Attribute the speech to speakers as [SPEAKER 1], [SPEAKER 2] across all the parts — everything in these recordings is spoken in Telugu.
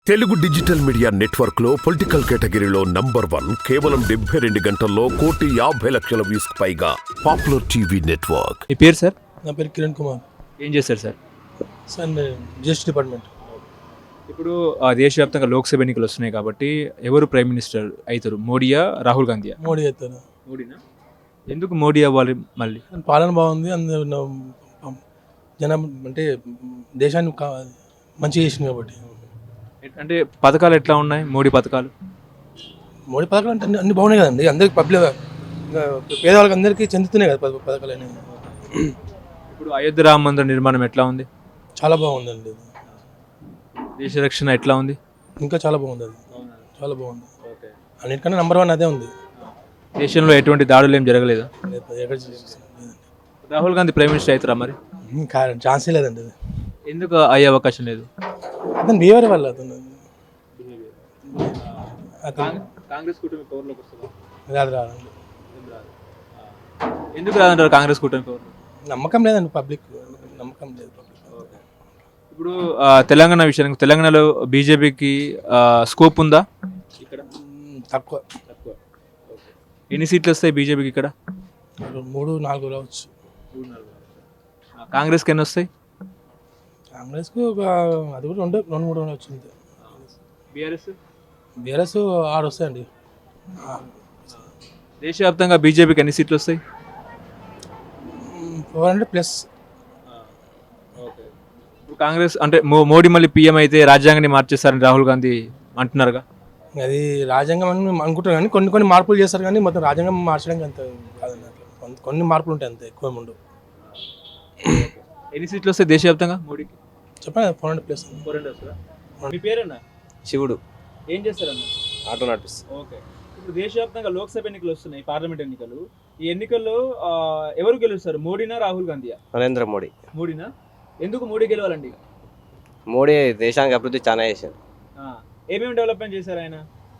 [SPEAKER 1] తెలుగు డిజిటల్ మీడియా నెట్వర్క్ లో పొలిటికల్ కేటగిరీలో నంబర్ 1 కేవలం 72 గంటల్లో 1,50,00,000 వ్యూస్ పైగా పాపులర్ టీవీ నెట్వర్క్.
[SPEAKER 2] మీ పేరు సార్?
[SPEAKER 3] నా పేరు కిరణ్ కుమార్
[SPEAKER 2] ఏం చేస్తారు సార్?
[SPEAKER 3] సార్ నేను జిఎస్టీ డిపార్ట్మెంట్.
[SPEAKER 2] ఇప్పుడు దేశవ్యాప్తంగా లోక్సభ ఎన్నికలు వస్తున్నాయి కాబట్టి ఎవరు ప్రైమ్ మినిస్టర్ అవుతారు? మోడీయా, రాహుల్ గాంధీయా?
[SPEAKER 3] మోడీ అవుతారు.
[SPEAKER 2] మోడీనా? ఎందుకు మోడీ అవ్వాలి మళ్ళీ?
[SPEAKER 3] పాలన బాగుంది, అందరూ జనం అంటే దేశాన్ని మంచిగా చేసింది కాబట్టి.
[SPEAKER 2] అంటే పథకాలు ఎట్లా ఉన్నాయి మోడీ పథకాలు?
[SPEAKER 3] మోడీ పథకాలు అంటే అన్ని బాగున్నాయి కదండి, అందరికి పబ్లిక్ పేదవాళ్ళకి అందరికీ చెందుతున్నాయి కదా పథకాలు అనేవి.
[SPEAKER 2] ఇప్పుడు అయోధ్య రామ మందిర నిర్మాణం ఎట్లా ఉంది?
[SPEAKER 3] చాలా బాగుందండి.
[SPEAKER 2] దేశ రక్షణ ఎట్లా ఉంది?
[SPEAKER 3] ఇంకా చాలా బాగుంది, అది చాలా బాగుంది. అన్నిటికన్నా నంబర్ 1 అదే ఉంది.
[SPEAKER 2] దేశంలో ఎటువంటి దాడులు ఏం జరగలేదా?
[SPEAKER 3] ఎక్కడ
[SPEAKER 2] రాహుల్ గాంధీ ప్రైమ్ మినిస్టర్ అవుతారా మరి?
[SPEAKER 3] ఛాన్సే లేదండి, అది
[SPEAKER 2] ఎందుకు అయ్యే అవకాశం లేదు?
[SPEAKER 3] అతను బిహేవియర్ వల్ల అతను
[SPEAKER 2] కాంగ్రెస్ కూటమి పవర్లోకి వస్తుందా?
[SPEAKER 3] రాదండి.
[SPEAKER 2] ఎందుకు రాదంటారు కాంగ్రెస్ కూటమి పవర్?
[SPEAKER 3] నమ్మకం లేదండి, పబ్లిక్ నమ్మకం లేదు.
[SPEAKER 2] ఇప్పుడు తెలంగాణ విషయానికి, తెలంగాణలో బీజేపీకి స్కోప్ ఉందా? ఇక్కడ
[SPEAKER 3] తక్కువ.
[SPEAKER 2] ఎన్ని సీట్లు వస్తాయి బీజేపీకి ఇక్కడ?
[SPEAKER 3] 3-4 రావచ్చు.
[SPEAKER 2] కాంగ్రెస్కి ఎన్ని వస్తాయి?
[SPEAKER 3] కాంగ్రెస్కు ఒక అది కూడా 2-3 వచ్చింది. బీఆర్ఎస్ 6 వస్తాయండి.
[SPEAKER 2] దేశవ్యాప్తంగా బీజేపీకి ఎన్ని సీట్లు వస్తాయి?
[SPEAKER 3] 400+.
[SPEAKER 2] ఇప్పుడు కాంగ్రెస్ అంటే మోడీ మళ్ళీ పీఎం అయితే రాజ్యాంగాన్ని మార్చేస్తారని రాహుల్ గాంధీ అంటున్నారుగా.
[SPEAKER 3] అది రాజ్యాంగం అని అనుకుంటారు కానీ కొన్ని మార్పులు చేస్తారు, కానీ మొత్తం రాజ్యాంగం మార్చడానికి అంత కాదండి. అట్లా కొన్ని మార్పులు ఉంటాయి, అంతే, ఎక్కువ ఉండవు.
[SPEAKER 2] ఎన్ని సీట్లు వస్తాయి దేశవ్యాప్తంగా మోడీకి?
[SPEAKER 3] చెప్పండి. 400+.
[SPEAKER 2] 400 వస్తుందా? మీ పేరన్నా?
[SPEAKER 4] శివుడు.
[SPEAKER 2] ఏం చేస్తారన్న?
[SPEAKER 4] ఆటో నడిపిస్తుంది.
[SPEAKER 2] ఓకే. ఇప్పుడు దేశవ్యాప్తంగా లోక్సభ ఎన్నికలు వస్తున్నాయి, పార్లమెంట్ ఎన్నికలు. ఈ ఎన్నికల్లో ఎవరు గెలుస్తారు? మోడీనా, రాహుల్ గాంధీయా?
[SPEAKER 4] నరేంద్ర మోడీ.
[SPEAKER 2] మోడీనా? ఎందుకు మోడీ గెలవాలండి?
[SPEAKER 4] మోడీ దేశానికి అభివృద్ధి చాలా చేశారు.
[SPEAKER 2] ఏమేమి డెవలప్మెంట్ చేశారు ఆయన?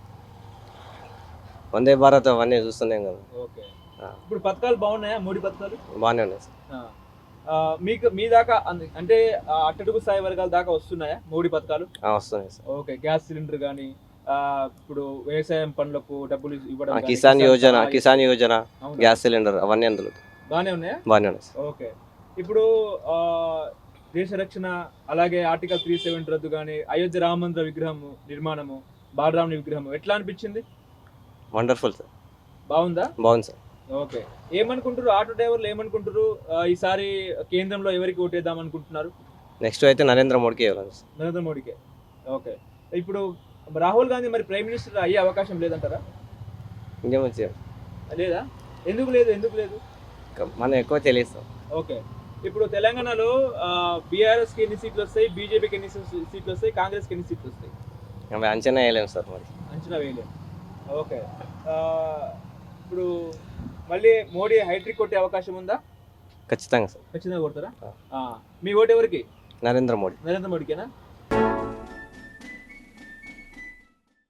[SPEAKER 4] వందే భారత్ అవన్నీ చూస్తున్నాం కదా.
[SPEAKER 2] ఓకే. ఇప్పుడు పథకాలు బాగున్నాయా మోడీ పథకాలు?
[SPEAKER 4] బాగానే ఉన్నాయి సార్.
[SPEAKER 2] మీకు మీ దాకా అంటే అట్టడుగు స్థాయి వర్గాల దాకా వస్తున్నాయా మోడీ పథకాలు?
[SPEAKER 4] వస్తున్నాయి సార్.
[SPEAKER 2] ఓకే. గ్యాస్ సిలిండర్ కానీ, ఇప్పుడు వ్యవసాయం పనులకు డబ్బులు ఇవ్వడం,
[SPEAKER 4] కిసాన్ యోజన, గ్యాస్ సిలిండర్ అవన్నీ అందులో
[SPEAKER 2] బాగానే ఉన్నాయా?
[SPEAKER 4] బాగానే ఉన్నాయి సార్.
[SPEAKER 2] ఓకే. ఇప్పుడు దేశ రక్షణ, అలాగే ఆర్టికల్ 370 రద్దు కానీ, అయోధ్య రామ మందిర విగ్రహం నిర్మాణము, బాలరాముని విగ్రహం ఎట్లా అనిపించింది?
[SPEAKER 4] Wonderful sir.
[SPEAKER 2] బాగుందా?
[SPEAKER 4] బాగుంది సార్.
[SPEAKER 2] ఓకే. ఏమనుకుంటారు ఆటో డ్రైవర్లు, ఏమనుకుంటారు ఈసారి కేంద్రంలో ఎవరికి ఓటేద్దాం అనుకుంటున్నారు?
[SPEAKER 4] నెక్స్ట్ అయితే నరేంద్ర మోడీకి ఇవ్వాలి సార్.
[SPEAKER 2] నరేంద్ర మోడీకే. ఓకే. ఇప్పుడు రాహుల్ గాంధీ మరి ప్రైమ్ మినిస్టర్ అయ్యే అవకాశం లేదంటారా?
[SPEAKER 4] ఇంకేమొచ్చి
[SPEAKER 2] లేదా? ఎందుకు లేదు?
[SPEAKER 4] మనం ఎక్కువ తెలియదు సార్.
[SPEAKER 2] ఓకే. ఇప్పుడు తెలంగాణలో బీఆర్ఎస్కి ఎన్ని సీట్లు వస్తాయి, బీజేపీకి ఎన్ని సీట్లు వస్తాయి, కాంగ్రెస్కి ఎన్ని సీట్లు వస్తాయి?
[SPEAKER 4] అవి అంచనా వేయలేము సార్, మరి
[SPEAKER 2] అంచనా వేయలేము. ఓకే. ఇప్పుడు మళ్ళీ మోడీ హైట్రిక్ కొట్టే అవకాశం ఉందా?
[SPEAKER 4] ఖచ్చితంగా సార్.
[SPEAKER 2] ఖచ్చితంగా కొడతారా? మీ ఓటు ఎవరికి?
[SPEAKER 4] నరేంద్ర మోడీ.
[SPEAKER 2] నరేంద్ర మోడీకేనా?